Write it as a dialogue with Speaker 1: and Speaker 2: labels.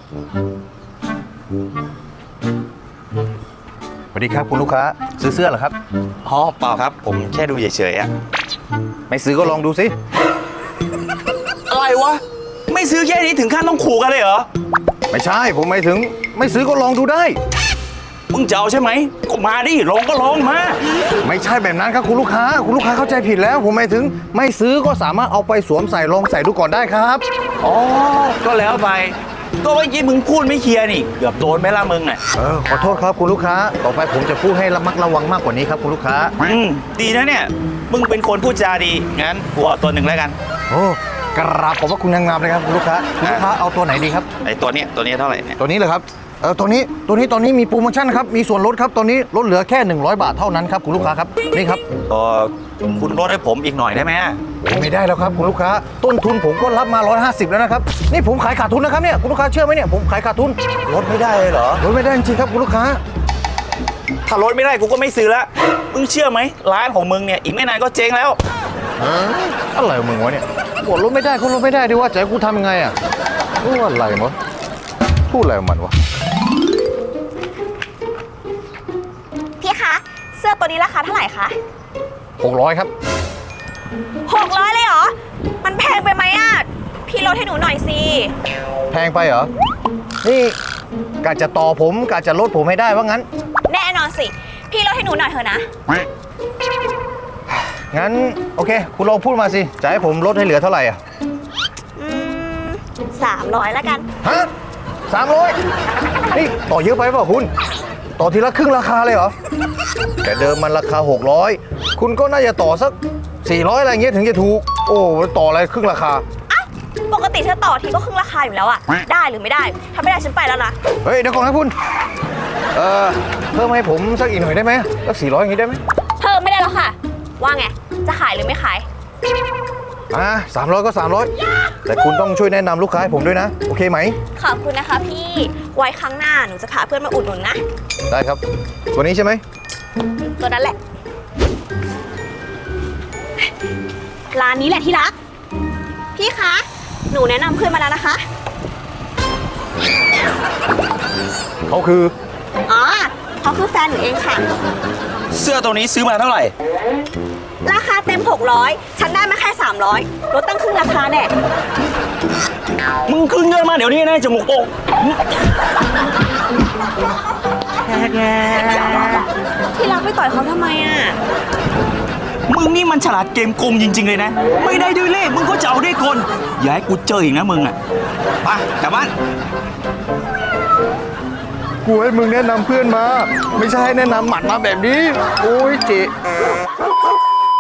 Speaker 1: สวัสดีครับคุณลูกค้าซื้อเสื้อเหรอครับ
Speaker 2: อ๋อเปล่าครับผมแค่ดูเฉยๆอะ
Speaker 1: ไม่ซื้อก็ลองดูสิ
Speaker 2: อะไรวะไม่ซื้อแค่นี้ถึงขั้นต้องขู่กันเลยเหรอ
Speaker 1: ไม่ใช่ผมหมายถึงไม่ซื้อก็ลองดูได้
Speaker 2: มึงจะเอาใช่ไหมก็มาดิลองก็ลองมา
Speaker 1: ไม่ใช่แบบนั้นครับคุณลูกค้าเข้าใจผิดแล้ว ผมหมายถึงไม่ซื้อก็สามารถเอาไปสวมใส่ลองใส่ดูก่อนได้ครับ
Speaker 2: อ๋อก็แล้วไปก็เมื่อกี้มึงพูดไม่เคลียร์นี่เกือบโดนไหมล่ะมึงอ่ะ
Speaker 1: ขอโทษครับคุณลูกค้าต่อไปผมจะพูดให้ระมัดระวังมากกว่านี้ครับคุณลูกค้า
Speaker 2: ดีนะเนี่ยมึงเป็นคนพูดจาดีงั้นกูเอาตัวหนึ่งแล้วกัน
Speaker 1: โอ้กราบขอบพระคุณงามๆเลยครับคุณลูกค้าเอาตัวไหนดีครับ
Speaker 2: ไอ้ตัวเนี้ยเท่าไหร่เนี่ย
Speaker 1: ตัวนี้เลยครับตัวนี้ตอนนี้มีโปรโมชั่นครับมีส่วนลดครับตอนนี้ลดเหลือแค่100 บาทเท่านั้นครับคุณลูกค้าครับนี่ครับ
Speaker 2: คุณลดให้ผมอีกหน่อยได้ไหม
Speaker 1: ไม่ได้แล้วครับคุณลูกค้าต้นทุนผมก็รับมา150แล้วนะครับนี่ผมขายขาดทุนนะครับเนี่ยคุณลูกค้าเชื่อไหมเนี่ยผมขายขาดทุน
Speaker 2: ลดไม่ได้เลยเหรอ
Speaker 1: ลดไม่ได้จริงๆครับคุณลูกค้า
Speaker 2: ถ้าลดไม่ได้กูก็ไม่ซื้อละมึงเชื่อไหมร้านของมึงเนี่ยอีกไม่นานก็เจ๊งแล้ว
Speaker 1: อะไรของมึงวะเนี่ยบอกลดไม่ได้ก็ลดไม่ได้ดิว่าจะให้กูทำยังไงอ่ะว่าอะไรวะพูดอะไรของมันวะ
Speaker 3: พี่คะเสื้อตัวนี้ราคาเท่าไหร่คะ
Speaker 1: 600ครับ
Speaker 3: 600เลยเหรอมันแพงไปไหมอ่ะพี่ลดให้หนูหน่อยสิ
Speaker 1: แพงไปเหรอนี่กะจะต่อผมกะจะลดผมให้ได้ว่างั้น
Speaker 3: แน่นอนสิพี่ลดให้หนูหน่อยเถอะนะ
Speaker 1: งั้นโอเคคุณลองพูดมาสิจะให้ผมลดให้เหลือเท่าไหร่อ่ะ
Speaker 3: อืม300แล้วกัน
Speaker 1: ฮะ300นี่ต่อเยอะไปเปล่าคุณต่อทีละครึ่งราคาเลยเหรอแต่เดิมมันราคา600คุณก็น่าจะต่อสัก400อะไรเงี้ยถึงจะถูกโอ้ต่ออะไรครึ่งราคา
Speaker 3: อ้าวปกติเธอต่อทีก็ครึ่งราคาอยู่แล้วอะได้หรือไม่ได้ถ้าไม่ได้ฉันไปแล้วนะ
Speaker 1: เฮ้ยเดี๋ยวก่อนนะคุณเพิ่มให้ผมสักอีกหน่อยได้ไหมสัก400อย่างนี้ได้ไหม
Speaker 3: เพิ่มไม่ได้แล้วค่ะ ว่าไงจะขายหรือไม่ขาย
Speaker 1: 300ก็300แต่คุณต้องช่วยแนะนำลูกค้าให้ผมด้วยนะโอเคไหม
Speaker 3: ขอบคุณนะคะพี่ไว้ครั้งหน้าหนูจะพาเพื่อนมาอุดหนุนนะ
Speaker 1: ได้ครับตัวนี้ใช่ไหม
Speaker 3: ตัวนั้นแหละ ร้านนี้แหละที่รัก พี่คะ หนูแนะนำเพื่อนมาแล้วนะคะ
Speaker 1: เขาคือ
Speaker 3: อ๋อเขาคือแฟนหนูเองค่ะ
Speaker 2: เสื้อตัวนี้ซื้อมาเท่าไหร่
Speaker 3: ราคาเต็ม600ฉันได้มาแค่300ลดตั้งครึ่งราคาแน่
Speaker 2: มึงคืนเงินมาเดี๋ยวนี้นะจมูกโป่ง
Speaker 3: ที่รักไปต่อยเขาทำไมอ่ะ
Speaker 2: มึงนี่มันฉลาดเกมโกงจริงๆเลยนะไม่ได้ด้วยเล่ห์มึงก็จะเอาด้วยกลอย่าให้กูเจออีกนะมึงอ่ะไปกลับบ้าน
Speaker 1: กูให้มึงแนะนำเพื่อนมา ไม่ใช่ให้แนะนำหมัดมาแบบนี้ โอ้ยเจ๊